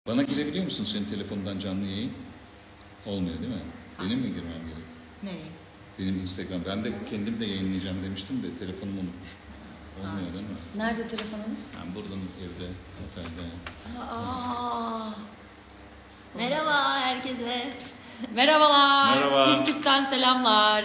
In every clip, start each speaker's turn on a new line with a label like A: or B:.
A: Bana girebiliyor musun senin telefonundan canlı yayın? Olmuyor değil mi? Benim mi girmem gerek?
B: Nereye?
A: Benim Instagram. Ben de kendim de yayınlayacağım demiştim de telefonumu unutmuş. Olmuyor değil mi?
B: Nerede telefonunuz?
A: Ben buradan evde, otelde.
B: Aa. Merhaba herkese.
C: Merhabalar.
A: Merhaba.
C: Üsküp'ten selamlar.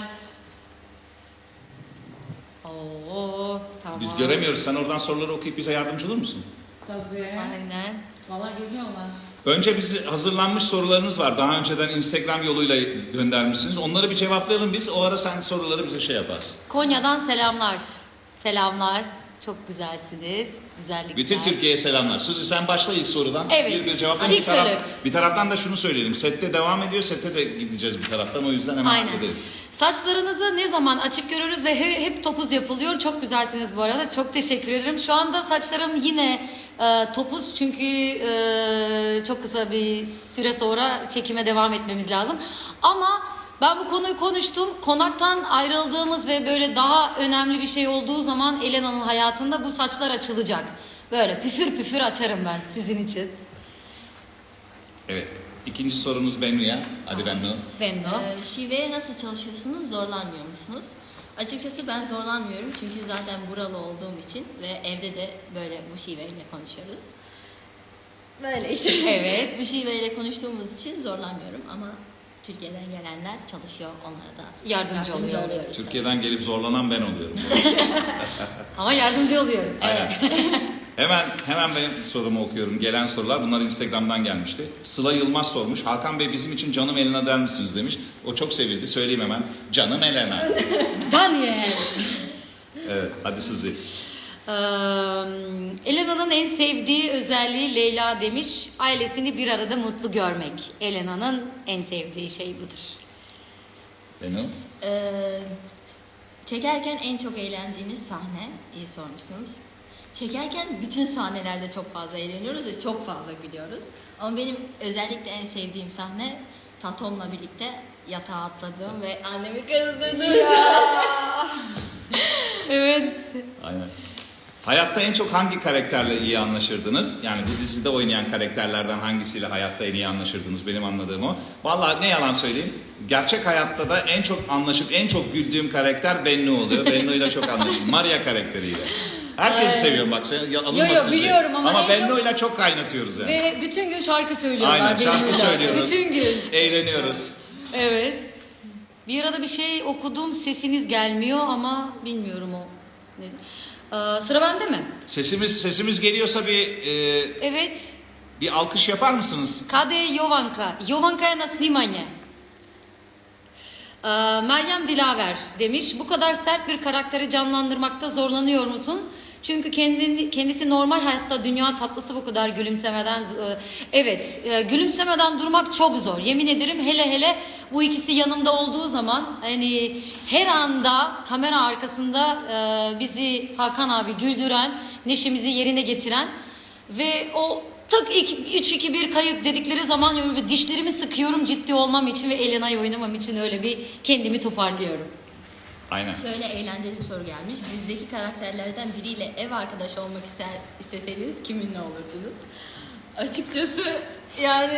C: Oo, tamam.
A: Biz göremiyoruz. Sen oradan soruları okuyup bize yardımcı olur musun?
D: Tabii.
C: Aynen.
D: Valla geliyorlar.
A: Önce bizi hazırlanmış sorularınız var. Daha önceden Instagram yoluyla göndermişsiniz. Onları bir cevaplayalım biz. O ara sen soruları bize şey yaparsın.
C: Konya'dan selamlar. Selamlar. Çok güzelsiniz. Güzellikler.
A: Bütün Türkiye'ye selamlar. Suzi sen başla ilk sorudan.
C: Evet.
A: Bir cevapla.
C: İlk soru.
A: Bir taraftan da şunu söyleyelim. Sette devam ediyor. Sette de gideceğiz bir taraftan. O yüzden hemen
C: Aynen.
A: gidelim.
C: Saçlarınızı ne zaman açık görürüz ve hep topuz yapılıyor. Çok güzelsiniz bu arada. Çok teşekkür ederim. Şu anda saçlarım yine topuz çünkü çok kısa bir süre sonra çekime devam etmemiz lazım. Ama ben bu konuyu konuştum. Konaktan ayrıldığımız ve böyle daha önemli bir şey olduğu zaman Elena'nın hayatında bu saçlar açılacak. Böyle püfür püfür açarım ben sizin için.
A: Evet. İkinci sorunuz Bennu'ya. Hadi Bennu.
C: Benno.
B: Şiveye nasıl çalışıyorsunuz? Zorlanmıyor musunuz? Açıkçası ben zorlanmıyorum çünkü zaten buralı olduğum için ve evde de böyle bu şiveyle konuşuyoruz. Böyle işte.
C: Evet.
B: Bu şiveyle konuştuğumuz için zorlanmıyorum ama Türkiye'den gelenler çalışıyor, onlara da
C: Yardımcı oluyoruz.
B: oluyoruz.
A: Türkiye'den gelip zorlanan ben oluyorum.
C: Ama yardımcı oluyoruz.
A: Aynen. Hemen benim sorumu okuyorum. Gelen sorular. Bunlar Instagram'dan gelmişti. Sıla Yılmaz sormuş. Hakan Bey bizim için canım Elena der misiniz demiş. O çok sevildi. Söyleyeyim hemen. Canım Elena.
C: Daniel.
A: Evet. Hadi Suzi.
C: Elena'nın en sevdiği özelliği Leyla demiş. Ailesini bir arada mutlu görmek. Elena'nın en sevdiği şey budur.
A: Bennu.
B: Çekerken en çok eğlendiğiniz sahne, iyi sormuşsunuz. Çekerken bütün sahnelerde çok fazla eğleniyoruz ve çok fazla gülüyoruz. Ama benim özellikle en sevdiğim sahne Tatom'la birlikte yatağa atladığım ve annemi kızdırdığım.
C: Evet.
A: Aynen. Hayatta en çok hangi karakterle iyi anlaşırdınız? Yani bu dizide oynayan karakterlerden hangisiyle hayatta en iyi anlaşırdınız? Benim anladığım o. Vallahi ne yalan söyleyeyim. Gerçek hayatta da en çok anlaşıp en çok güldüğüm karakter Bennu oluyor. Bennu'yla çok anlaşıyorum. Maria karakteriyle. Herkesi seviyorum bak. Alınmasın
C: biliyorum ama en
A: Bennu'yla çok kaynatıyoruz yani.
C: Ve bütün gün şarkı söylüyorlar.
A: Aynen şarkı
C: benimle.
A: söylüyoruz.
C: Bütün gün.
A: Eğleniyoruz.
C: Evet. Bir arada bir şey okudum, sesiniz gelmiyor ama bilmiyorum o. Sıra bende mi?
A: Sesimiz geliyorsa
C: Evet.
A: bir alkış yapar mısınız?
C: Kade Jovanka. Jovanka'ya na snimanje. Meryem Dilaver demiş. Bu kadar sert bir karakteri canlandırmakta zorlanıyor musun? Çünkü kendisi normal hayatta dünya tatlısı bu kadar gülümsemeden evet gülümsemeden durmak çok zor. Yemin ederim hele bu ikisi yanımda olduğu zaman hani her anda kamera arkasında bizi Hakan abi güldüren, neşemizi yerine getiren ve o tık 3-2-1 kayıt dedikleri zaman böyle dişlerimi sıkıyorum ciddi olmam için ve Elena'yı oynamam için öyle bir kendimi toparlıyorum.
A: Aynen.
B: Şöyle eğlenceli bir soru gelmiş. Dizideki karakterlerden biriyle ev arkadaşı olmak isteseydiniz kiminle olurdunuz? Açıkçası yani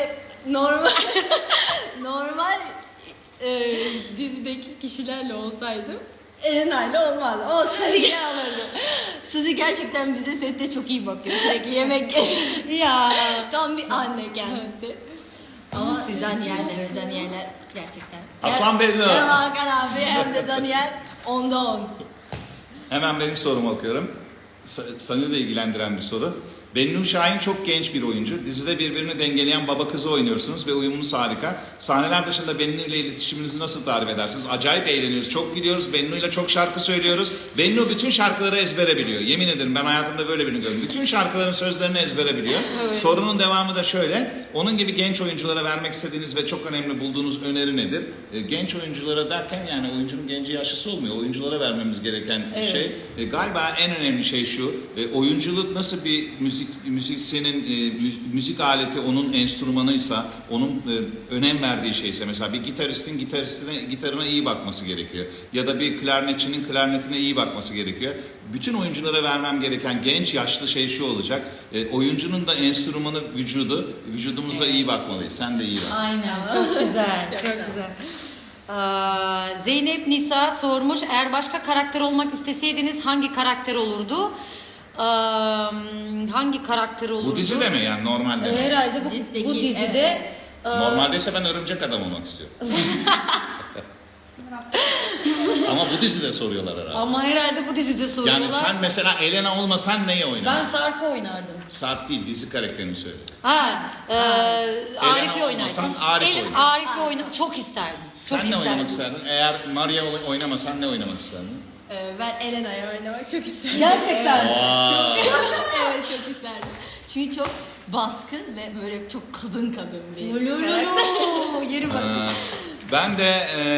B: normal dizideki kişilerle olsaydım Elena'yla olmaz. O Suzi'yle alırdım. Suzi gerçekten bize sette çok iyi bakıyor. Sürekli yemek
C: Ya.
B: tam bir anne kendisi. Ama Daniel'ler gerçekten.
A: Aslan Bennu.
B: Hem Hakan abi hem de Daniel 10'da 10.
A: Hemen benim sorumu okuyorum. Seni de ilgilendiren bir soru. Bennu Şahin çok genç bir oyuncu. Dizide birbirini dengeleyen baba kızı oynuyorsunuz ve uyumunuz harika. Sahneler dışında Bennu ile iletişiminizi nasıl tarif edersiniz? Acayip eğleniyoruz, çok gidiyoruz. Bennu ile çok şarkı söylüyoruz. Bennu bütün şarkıları ezbere biliyor. Yemin ederim ben hayatımda böyle birini gördüm. Bütün şarkıların sözlerini ezbere biliyor.
C: Evet.
A: Sorunun devamı da şöyle. Onun gibi genç oyunculara vermek istediğiniz ve çok önemli bulduğunuz öneri nedir? Genç oyunculara derken yani oyuncunun genci yaşlısı olmuyor. Oyunculara vermemiz gereken
C: Evet.
A: şey. Galiba en önemli şey şu. Oyunculuk nasıl bir müzik müzisyenin müzik aleti onun enstrümanıysa, onun önem verdiği şeyse, mesela bir gitaristin gitarına iyi bakması gerekiyor. Ya da bir klarnetçinin klarnetine iyi bakması gerekiyor. Bütün oyunculara vermem gereken genç yaşlı şey şu olacak. Oyuncunun da enstrümanı vücudumuza iyi bakmalıyız. Sen de iyi bak.
C: Aynen, çok güzel, çok güzel. Zeynep Nisa sormuş, eğer başka karakter olmak isteseydiniz hangi karakter olurdu? Hangi karakter olurdu?
A: Bu dizide mi yani, normalde mi?
C: Herhalde bu
B: Dizideki,
C: dizide.
B: evet.
A: Normaldeyse ben örümcek adam olmak istiyorum. Ama bu dizide soruyorlar herhalde.
C: Ama herhalde bu dizide soruyorlar.
A: Yani sen mesela Elena olmasan neyi
C: Ben
A: oynardın?
C: Sarp'ı oynardım.
A: Sarp değil, dizi karakterini söyle.
C: Arif'i
A: olmasan
C: oynardım.
A: Arif oynardın.
C: Arif'i oynamak çok isterdim. Çok
A: Sen ne oynamak isterdin? Eğer Maria oynamasan ne oynamak isterdin?
B: Ben Elena'ya oynamak çok isterdim.
C: Gerçekten.
B: Evet, çok isterdim. Çünkü çok baskın ve böyle çok kadın bir karakter.
C: Lolololo. Yeri bak.
A: Ben de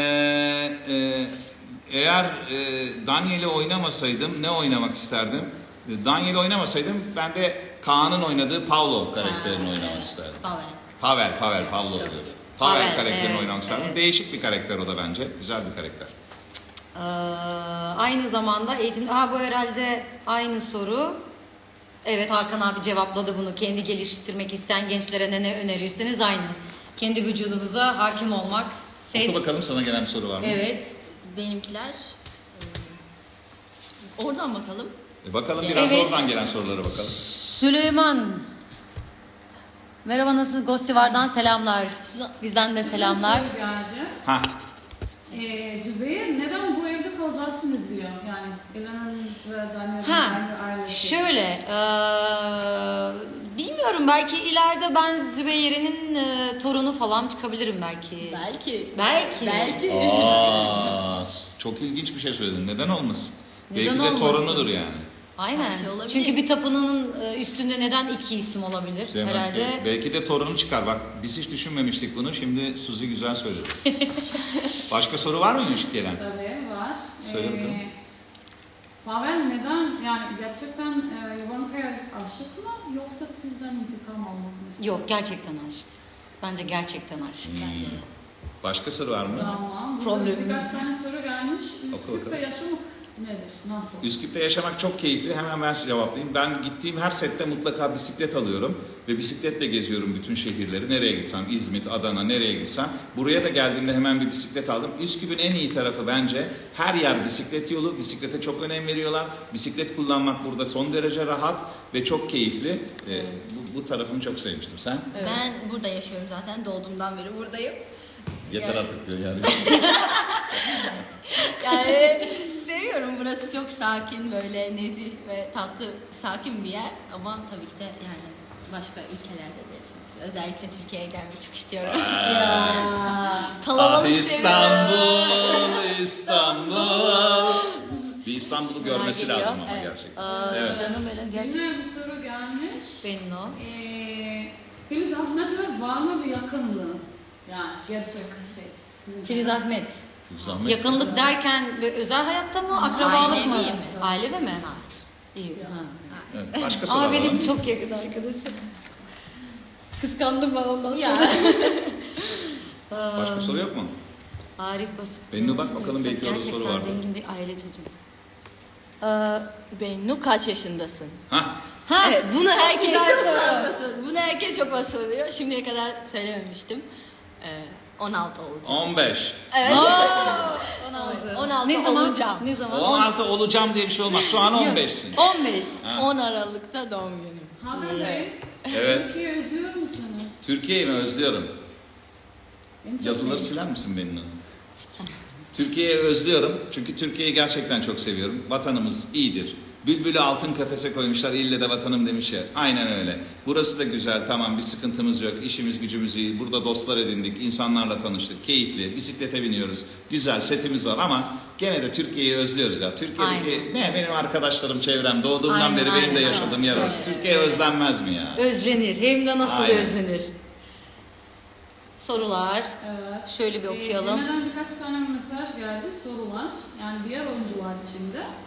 A: eğer Daniel'i oynamasaydım ne oynamak isterdim? Daniel'i oynamasaydım ben de Kaan'ın oynadığı Pavlov karakterini oynamak isterdim. Pavel Pavlov
B: Çok
A: diyor.
B: iyi.
A: Pavel
C: Pavel,
A: karakterini
C: evet,
A: oynamak isterdim.
C: evet.
A: Değişik bir karakter o da bence. Güzel bir karakter.
C: Aynı zamanda eğitim... bu herhalde aynı soru. Evet, Hakan abi cevapladı bunu. Kendi geliştirmek isteyen gençlere ne önerirsiniz? Aynı. Kendi vücudunuza hakim olmak. Ses.
A: Oku bakalım, sana gelen bir soru var mı?
C: Evet.
B: Benimkiler oradan bakalım.
A: Bakalım biraz
C: Evet.
A: oradan gelen sorulara bakalım.
C: Süleyman. Merhaba, nasılsınız? Gostivar'dan selamlar. Bizden de selamlar.
D: Bir soru geldi.
A: Ha,
D: Zübeyir neden bu evde kalacaksınız diyor. Yani Elena'nın ve Daniel'in ailesi.
C: Şöyle, bilmiyorum, belki ileride ben Zübeyir'in torunu falan çıkabilirim belki. Belki.
A: çok ilginç bir şey söyledin. Neden olmasın?
C: Neden
A: Belki de
C: olmasın?
A: torunudur yani.
C: Aynen.
B: Her şey olabilir.
C: Çünkü bir tapınanın üstünde neden iki isim olabilir?
A: Değil mi?
C: Herhalde.
A: Belki de torunu çıkar. Bak biz hiç düşünmemiştik bunu. Şimdi Suzi güzel söyledi. Başka soru var mıymış gelen?
D: Tabii var.
A: Söyle bakalım.
D: Pavel neden, yani gerçekten Ivanka'ya aşık mı yoksa sizden intikam almak mı istiyor?
C: Yok, gerçekten aşk. Bence gerçekten aşk.
A: Başka soru var mı?
D: Tamam.
C: Problem.
D: Burada birkaç tane soru gelmiş.
A: bakalım.
D: Üsküp'te yaşamak nedir? Nasıl?
A: Üsküp'te yaşamak çok keyifli. Hemen ben cevaplayayım. Ben gittiğim her sette mutlaka bisiklet alıyorum. Ve bisikletle geziyorum bütün şehirleri. Nereye gitsem, İzmit, Adana, nereye gitsem. Buraya da geldiğimde hemen bir bisiklet aldım. Üsküp'ün en iyi tarafı bence her yer bisiklet yolu. Bisiklete çok önem veriyorlar. Bisiklet kullanmak burada son derece rahat ve çok keyifli. Bu tarafını çok sevmiştim. Sen?
C: Evet.
B: Ben burada yaşıyorum zaten. Doğduğumdan beri buradayım.
A: Yeter
B: Yani-
A: artık diyor yani.
B: Yani seviyorum. Burası çok sakin, böyle nezih ve tatlı, sakin bir yer. Ama tabii ki de yani başka ülkelerde de yaşamak. Özellikle Türkiye'ye gelmek çok istiyorum. Kalabalık seviyorum.
A: İstanbul. Bir İstanbul'u görmesi
C: geliyor.
A: lazım ama
B: Evet.
A: gerçekten. Evet.
C: Canım benim gerçekten.
D: Yine bir soru gelmiş.
C: Benim o.
D: Filiz Ahmet'le var mı bir yakınlığı? Yani gerçek şey.
C: Filiz Ahmet.
A: Zahmet.
C: Yakınlık derken böyle özel hayatta mı, akrabalık mı?
B: Ailevi mi?
C: Ailevi mi?
B: Hayır.
C: İyi. Ha.
A: Evet, başka sorular
C: Ama
A: var
C: benim
A: mı?
C: çok yakın arkadaşım. Kıskandım ben ondan sonra.
B: Ya.
A: Başka soru yok mu?
C: Arif Basit.
A: Bennu bak bakalım, belki orada soru vardır.
C: Gerçekten zengin bir aile çocuğu.
B: Bennu kaç yaşındasın?
A: Ha?
C: Ha,
B: Evet, bunu herkes
C: güzel
B: çok
C: soru.
B: fazla soruyor. Bunu herkes çok fazla soruyor. Şimdiye kadar söylememiştim. 16 olacağım.
A: 15.
B: Evet.
C: 16.
B: 16
C: ne zaman?
B: olacağım.
C: Ne zaman?
A: 16 olacağım diye bir şey olmaz. Şu an 15'sin.
C: 15.
A: Ha.
B: 10 Aralık'ta doğum günüm.
D: Haber Bey,
A: Evet.
D: Türkiye'yi özlüyor musunuz?
A: Türkiye'yi mi özlüyorum?
D: Beni çok
A: Yazıları
D: iyi.
A: siler misin benimle? Türkiye'yi özlüyorum. Çünkü Türkiye'yi gerçekten çok seviyorum. Vatanımız iyidir. Bülbülü altın kafese koymuşlar, ille de vatanım demiş ya. Aynen öyle. Burası da güzel, tamam, bir sıkıntımız yok. İşimiz gücümüz iyi. Burada dostlar edindik, insanlarla tanıştık. Keyifli, bisiklete biniyoruz. Güzel, setimiz var ama gene de Türkiye'yi özlüyoruz ya. Türkiye'deki benim arkadaşlarım, çevrem, doğduğumdan
C: Aynen,
A: beri benim de
C: aynen.
A: yaşadığım yer orası.
C: Evet.
A: Türkiye özlenmez mi ya?
C: Özlenir. Hem de nasıl
A: Aynen.
C: özlenir? Sorular.
D: Evet.
C: Şöyle bir okuyalım.
D: Emre'den birkaç tane mesaj geldi, sorular. Yani diğer oyuncular için de.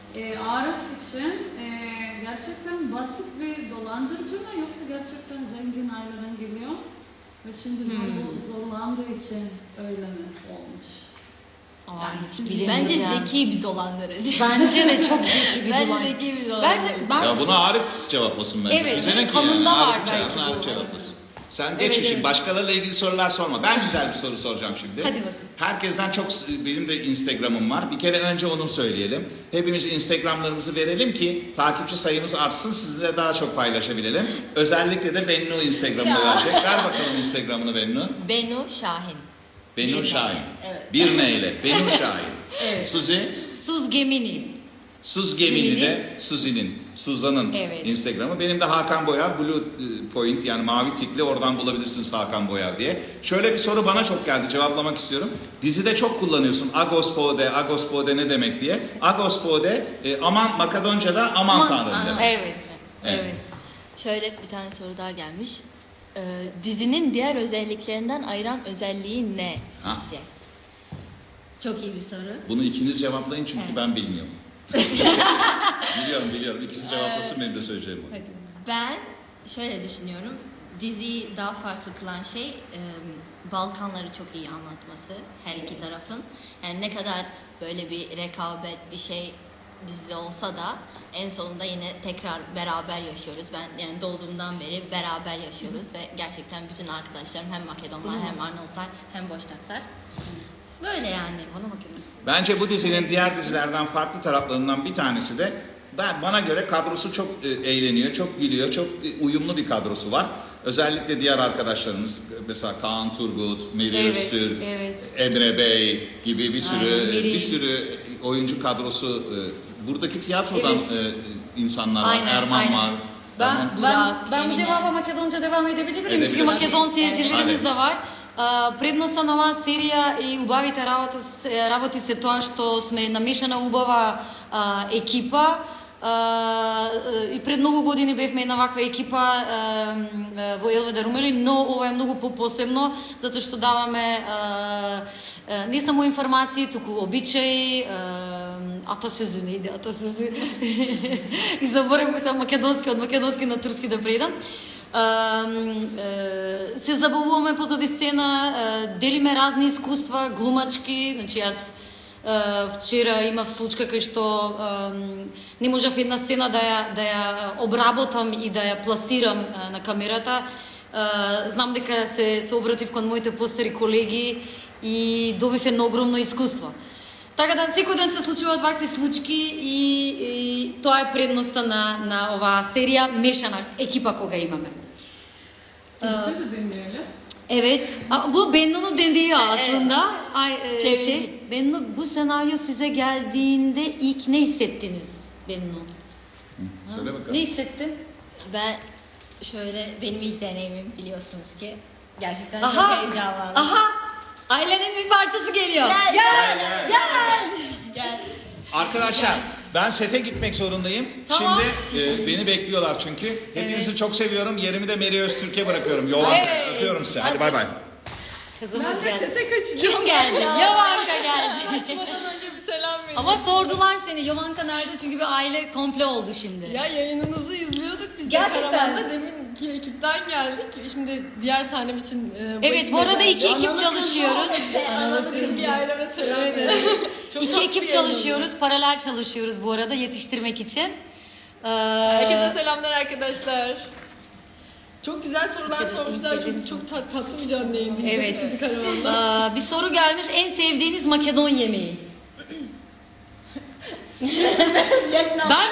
D: Arif için gerçekten basit bir dolandırıcı mı yoksa gerçekten zengin aileden geliyor ve şimdi zorlandığı için öyle mi olmuş?
C: Aa, hiç
B: Bence
C: bilemeyeceğim.
B: zeki bir dolandırıcı.
C: Bence de çok zeki bir
B: Bence
C: dolandırıcı.
B: zeki bir dolandırıcı.
C: Ben
A: Ya bunu Arif cevaplasın bence.
C: Evet,
A: Bize ne ki
C: kanında
A: yani?
C: var
A: Arif,
C: belki
A: Arif
C: bu.
A: cevaplasın. Sen geç
C: Evet,
A: işin.
C: evet.
A: Başkalarıyla ilgili sorular sorma. Ben güzel bir soru soracağım şimdi.
C: Hadi bakın.
A: Herkesten çok, benim de Instagram'ım var. Bir kere önce onu söyleyelim. Hepimiz Instagram'larımızı verelim ki takipçi sayımız artsın, sizinle daha çok paylaşabilelim. Özellikle de Bennu Instagram'ını
B: Ya.
A: verecek. Ver bakalım Instagram'ını Bennu.
B: Benu Şahin.
A: Bennu
B: Bir
A: Şahin.
B: neyle, evet.
A: Bir neyle. Bennu Şahin.
C: Evet.
A: Suzi.
C: Suz Gemini.
A: Suz Gemini
C: Gemini.
A: de Suzan'ın
C: Evet.
A: Instagram'ı. Benim de Hakan Boyar, Blue Point yani mavi tikli, oradan bulabilirsiniz Hakan Boyar diye. Şöyle bir soru bana çok geldi, cevaplamak istiyorum. Dizide çok kullanıyorsun Agos Pode ne demek diye. Agos Pode aman, Makedonca'da aman tanrım demek.
C: Evet.
A: Evet.
C: Evet.
B: Şöyle bir tane soru daha gelmiş. Dizinin diğer özelliklerinden ayıran özelliği ne
A: Ha.
B: sizce? Çok iyi bir soru.
A: Bunu ikiniz cevaplayın çünkü
B: Evet.
A: ben bilmiyorum. Biliyorum. İkisi cevaplasın, benim de söyleyeceğim o.
C: Hadi.
B: Ben şöyle düşünüyorum. Diziyi daha farklı kılan şey Balkanları çok iyi anlatması her iki tarafın. Yani ne kadar böyle bir rekabet bir şey dizide olsa da en sonunda yine tekrar beraber yaşıyoruz. Ben yani doğduğumdan beri beraber yaşıyoruz ve gerçekten bütün arkadaşlarım hem Makedonlar hem Arnavutlar hem Boşnaklar. Böyle yani.
C: Bana bakın.
A: Bence bu dizinin diğer dizilerden farklı taraflarından bir tanesi de bana göre kadrosu çok eğleniyor, çok gülüyor, çok uyumlu bir kadrosu var. Özellikle diğer arkadaşlarımız mesela Kaan Turgut, Meri
C: Evet,
A: Öztürk,
C: evet.
A: Emre Bey gibi bir
C: Aynen,
A: sürü oyuncu kadrosu. Buradaki tiyatrodan
C: Evet.
A: insanlar var.
C: Aynen,
A: Erman
C: aynen.
A: var. Erman-
C: Ben bu
B: Emine.
C: cevaba Makedonca devam edebilir miyim? Çünkü
A: Edebilirsin.
C: Makedon seyircilerimiz
A: Evet.
C: de var. Предноста на оваа серија и убавите работи се тоа што сме намешана убава екипа. И пред многу години бевме една ваква екипа во Елведа Румели, но ова е многу по-посебно, затоа што даваме не само информации, туку обичаи, атасөзү не иде, атасөзү. И заборавме се македонски, од македонски на турски да предам. Се забавуваме позади сцена, делиме разни искуства, глумачки, значи јас вчера имав случка кај што не можев една сцена да ја обработам и да ја пласирам на камерата. Знам дека се обратив кон моите постари колеги и добив едно огромно искуство. Така да секој ден се случуваат вакви случаи и тоа е предноста на оваа серија, мешана екипа кога имаме.
D: Türkçe de dinleyelim.
C: Evet. Bu Bennu'nun dediği aslında.
B: Çevirdik.
C: Bennu, bu senaryo size geldiğinde ilk ne hissettiniz Bennu?
A: Söyle bakalım.
C: Ne hissettin?
B: Ben şöyle benim ilk deneyimim biliyorsunuz ki gerçekten
C: Aha.
B: çok heyecanlandım.
C: Aha! Ailenin bir parçası geliyor.
B: Gel,
C: Gel.
A: Arkadaşlar ben sete gitmek zorundayım.
C: Tamam.
A: Şimdi beni bekliyorlar çünkü. Hepinizi çok seviyorum. Yerimi de Meri Öztürk'e bırakıyorum. Yolan
C: Evet.
A: öpüyorum size. Hadi bay bay.
C: Kızımız
D: Ben de
C: geldi.
D: sete kaçacağım.
C: Kim geldi? Yavanka geldi.
E: Açmadan önce bir selam verin.
C: Ama sordular seni. Yavanka nerede? Çünkü bir aile komple oldu şimdi.
E: Ya yayınınızı izliyorduk biz
C: Gerçekten.
E: de Karaman'da deminki ekipten geldik. Şimdi diğer sahnem için
C: Evet, bu arada iki ekip çalışıyoruz.
E: Analı kız bir aileme selam verin. Çok
C: İki
E: tatlı
C: ekip
E: bir
C: çalışıyoruz, paralel çalışıyoruz bu arada yetiştirmek için.
E: Herkese selamlar arkadaşlar. Çok güzel sorular
C: Evet,
E: sormuşlar.
C: izledim.
E: Çok tatlı bir canlı yayın.
C: Evet.
E: Sizi Karaman'da.
C: Bir soru gelmiş, en sevdiğiniz Makedon yemeği. ben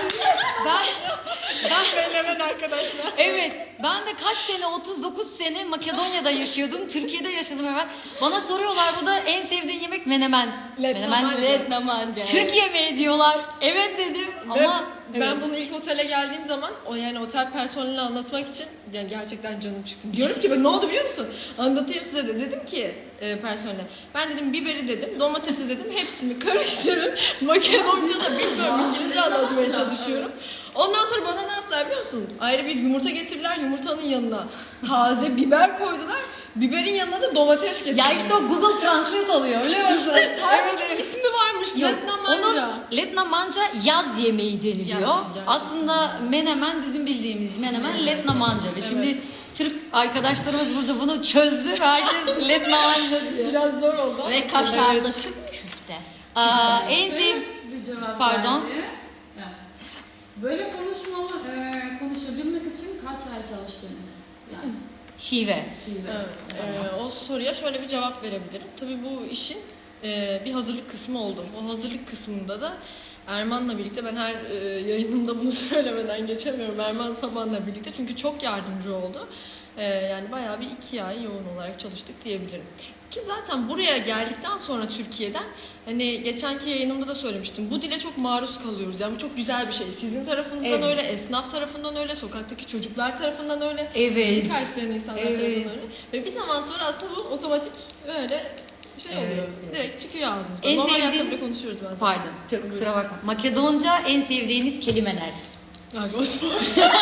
E: Hemen arkadaşlar.
C: evet, ben de kaç sene, 39 sene Makedonya'da yaşıyordum, Türkiye'de yaşadım hemen. Bana soruyorlar burada en sevdiğin yemek menemen. Menemen.
B: Vietnamca.
C: Türk yemeği diyorlar. Evet dedim ama
E: Ben
C: evet.
E: bunu ilk otele geldiğim zaman yani otel personeline anlatmak için yani gerçekten canım çıktı. Diyorum ki ben ne oldu biliyor musun? Anlatayım size de. Dedim ki personele. Ben dedim biberi dedim, domatesi dedim. Hepsini karıştırın. Makedonca da bilmiyorum. İngilizce anlatmaya çalışıyorum. Ondan sonra bana ne yaptılar biliyor musun? Ayrı bir yumurta getirdiler. Yumurtanın yanına taze biber koydular. biberin yanına da domates getirdim.
C: Ya işte o Google Translate oluyor biliyor musun?
E: Evet, ismi varmış.
C: Yok,
E: Letna
C: onun
E: manca.
C: Letna manca yaz yemeği deniliyor.
E: Gerçekten.
C: Aslında menemen bizim bildiğimiz menemen Letna manca. Ve şimdi Türk arkadaşlarımız burada bunu çözdü ve herkes Letna manca diyor.
E: Biraz zor oldu.
B: Ve kaşarlı küfte.
C: En sev...
D: Bir cevap
C: Pardon.
D: geldi. Ya, böyle konuşabilmek için kaç ay çalıştınız? Yani
C: Şive.
D: şive.
E: Evet, o soruya şöyle bir cevap verebilirim. Tabii bu işin bir hazırlık kısmı oldu. O hazırlık kısmında da Erman'la birlikte, ben her yayınımda bunu söylemeden geçemiyorum. Erman Saban'la birlikte, çünkü çok yardımcı oldu. Yani bayağı bir 2 ay yoğun olarak çalıştık diyebilirim. Ki zaten buraya geldikten sonra Türkiye'den, hani geçenki yayınımda da söylemiştim, bu dile çok maruz kalıyoruz. Yani bu çok güzel bir şey. Sizin tarafınızdan
C: Evet.
E: öyle, esnaf tarafından öyle, sokaktaki çocuklar tarafından öyle.
C: Evet.
E: Bizi karşılayan insanlar
C: Evet.
E: tarafından öyle. Ve bir zaman sonra aslında bu otomatik böyle şey
C: Evet,
E: oluyor.
C: evet.
E: Direkt çıkıyor ağzımızdan.
C: En
E: Normal hayatta
C: sevdiğiniz-
E: bile konuşuyoruz bazen.
C: Pardon, çok kusura bakma. Makedonca en sevdiğiniz kelimeler.
E: Ya boş ver.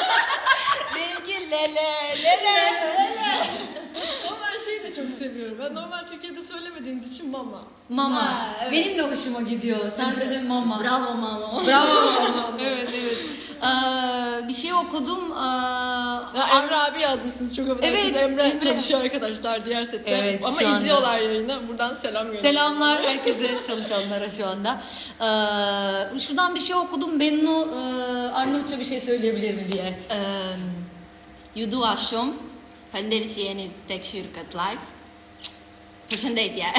B: Benimki lele lele.
E: Ama ben şeyi de çok seviyorum. Ben normal Türkiye'de söylemediğimiz için mama.
C: Mama.
B: Ha, evet.
C: Benim de hoşuma gidiyor. Sen söyle mama.
B: Bravo mama.
C: Bravo. Evet, evet. Bir şey okudum.
E: Ya Emre abi yazmışsınız, çok affedersiniz.
C: Evet,
E: Emre
C: Emre.
E: çalışıyor arkadaşlar diğer sette.
C: Evet,
E: ama
C: şu anda.
E: izliyorlar yayını. Buradan selam gönderiyorum.
C: Selamlar herkese, çalışanlara şu anda. Şuradan bir şey okudum. Bennu Arnavutça bir şey söyleyebilir mi diye.
B: Judu Aşum. Fenderici yeni tek şirket live. Taşındaydı ya.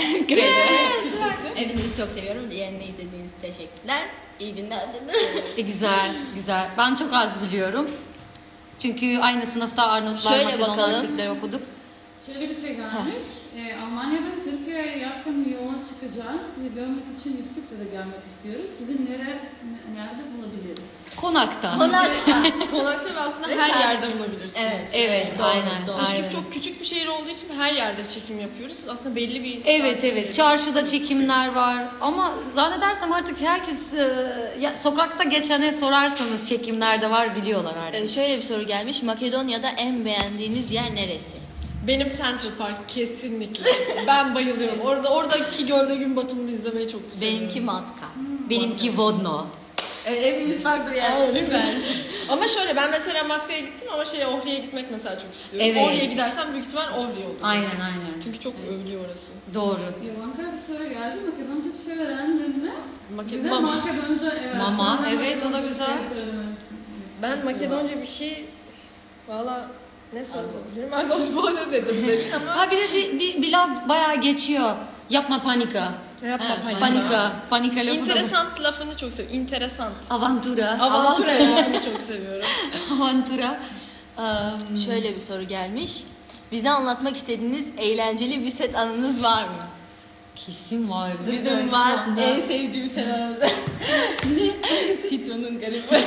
B: Hepinizi çok seviyorum. Yayını izlediğiniz için teşekkürler. İyi günler.
C: Güzel, güzel. Ben çok az biliyorum. Çünkü aynı sınıfta Arnavutlar,
B: Şöyle
C: Makedonlar,
B: bakalım.
C: Türkler okuduk.
D: Şöyle bir şey gelmiş. Almanya'dan Türkiye'ye yakın yola çıkacağız. Sizi görmek için Üsküp'te de gelmek istiyoruz. Sizi nerede bulabiliriz?
C: Konakta.
E: Konakta ve aslında
B: Ve
E: her
B: sen-
E: yerde bulabilirsiniz.
B: Evet.
C: Evet,
B: Doğru,
C: aynen.
B: doğru.
C: aynen.
E: Üsküp çok küçük bir şehir olduğu için her yerde çekim yapıyoruz. Aslında belli bir...
C: Evet, evet. Çarşıda çekimler var. Ama zannedersem artık herkes sokakta geçene sorarsanız çekimlerde var, biliyorlar artık.
B: Şöyle bir soru gelmiş. Makedonya'da en beğendiğiniz yer neresi?
E: Benim Central Park kesinlikle. Ben bayılıyorum. Oradaki gölde gün batımını izlemeyi çok seviyorum.
B: Benimki Matka.
C: Benimki Vodno.
B: Hepimiz farklı yer. Süper.
E: Ama şöyle, ben mesela Matka'ya gittim ama Ohri'ye gitmek mesela çok istiyorum.
C: Evet.
E: Ohri'ye gidersem büyük ihtimal Ohri olur.
C: Aynen, aynen.
E: Çünkü çok övülüyor orası.
C: Doğru.
D: Yalanka bir soru geldi. Makedonca bir şey öğrendin mi? Bir de
E: Mama.
D: Makedonca evet.
C: Mama,
D: Sonra
C: evet, o da
D: Makedonca bir
C: güzel.
D: şey söylemelisin.
E: Ben Makedonca bir şey... Valla ne söyledim? Agosbode dedim ama...
C: Ha bir de bir laf bayağı geçiyor. Yapma panika.
E: Yapma
B: Evet,
E: panika.
C: Panika. Panika lafı da bu.
E: İnteresant lafını çok seviyorum. İnteresant.
C: Avantura.
E: Avantura lafını çok seviyorum.
C: Avantura.
B: Şöyle bir soru gelmiş. Bize anlatmak istediğiniz eğlenceli bir set anınız var mı?
C: Kesin vardı.
B: Bizim var. En sevdiğim set anımız. Tito'nun garibi.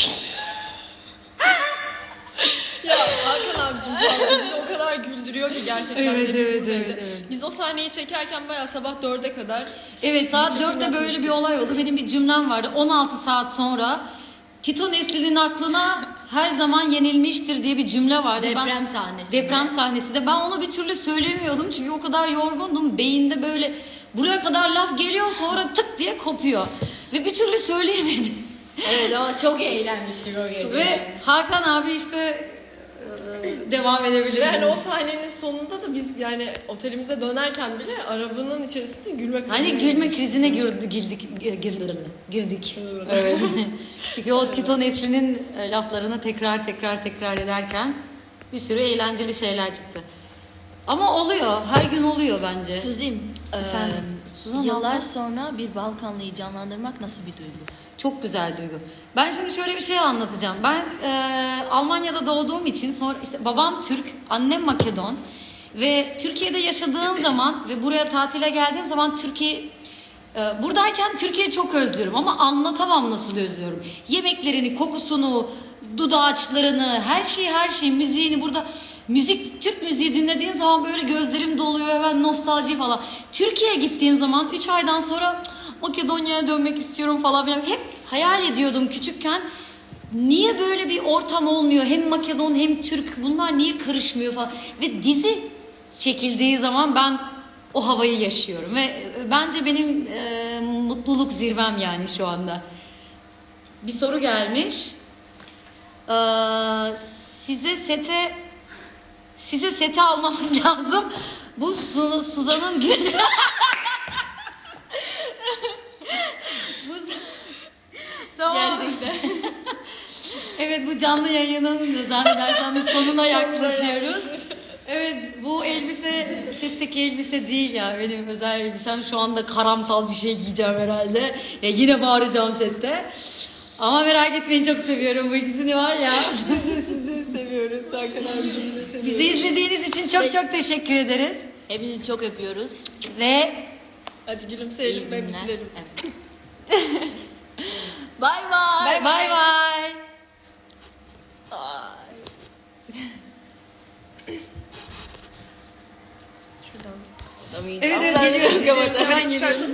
E: Ya Hakan abicim falan bizi o kadar güldürüyor ki gerçekten.
C: Evet,
E: hepimiz
C: evet,
E: öyle.
C: evet, evet.
E: Biz o sahneyi çekerken bayağı sabah 4'e kadar
C: Evet, saat
E: Çekim
C: 4'te böyle
E: yapmıştık.
C: bir olay oldu. Benim bir cümlem vardı. 16 saat sonra Tito Nesli'nin aklına her zaman yenilmiştir diye bir cümle vardı.
B: Deprem sahnesi.
C: Deprem sahnesi de. Ben onu bir türlü söyleyemiyordum çünkü o kadar yorgundum. Beyinde böyle buraya kadar laf geliyor, sonra tık diye kopuyor. Ve bir türlü söyleyemedim.
B: Evet ama çok eğlenmiştik o gece.
C: Ve Hakan abi işte devam edebilir.
E: yani o sahnenin sonunda da biz yani otelimize dönerken bile arabanın içerisinde gülmek
C: Hani gülme krizine girdik. Evet. Çünkü o Tito Nesli'nin laflarını tekrar ederken bir sürü eğlenceli şeyler çıktı. Ama oluyor, her gün oluyor bence.
B: Suzim,
C: Efendim? Suzan
B: yıllar
C: abla?
B: sonra bir Balkanlıyı canlandırmak nasıl bir duygu?
C: Çok güzel duygu. Ben şimdi şöyle bir şey anlatacağım. Ben Almanya'da doğduğum için, sonra işte babam Türk, annem Makedon ve Türkiye'de yaşadığım zaman ve buraya tatile geldiğim zaman buradayken Türkiye'yi çok özlüyorum ama anlatamam nasıl özlüyorum. Yemeklerini, kokusunu, dudaçlarını, her şeyi, müziğini burada. Türk müziği dinlediğim zaman böyle gözlerim doluyor, hemen nostalji falan. Türkiye'ye gittiğim zaman 3 aydan sonra Makedonya'ya dönmek istiyorum falan filan. Hep hayal ediyordum küçükken. Niye böyle bir ortam olmuyor? Hem Makedon hem Türk, bunlar niye karışmıyor falan. Ve dizi çekildiği zaman ben o havayı yaşıyorum ve bence benim mutluluk zirvem yani şu anda. Bir soru gelmiş. Size sete almamız lazım. Bu Suzan'ın günü. Tamam. Evet, bu canlı yayının zannedersem biz sonuna yaklaşıyoruz. Evet, bu elbise setteki elbise değil ya, benim özel elbisem. Şu anda karamsal bir şey giyeceğim herhalde. Ya yine bağıracağım sette. Ama merak etmeyin, çok seviyorum bu ikisini var ya.
E: Sizi seviyoruz Hakan abicim de seviyoruz.
C: Bizi izlediğiniz için çok çok teşekkür ederiz.
B: Hepinizi çok öpüyoruz.
C: Ve
E: Hadi gülümseyelim
B: İyi
E: ve
B: günler.
E: bitirelim.
B: Evet. Bay bay.
C: bay bay.
E: Şuradan.
C: Evet, geliyorum. Hemen geliyoruz.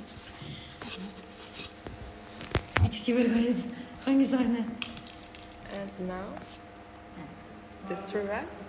C: 3-2-1 gayet. Hangi sahne?
E: And now, this true, right?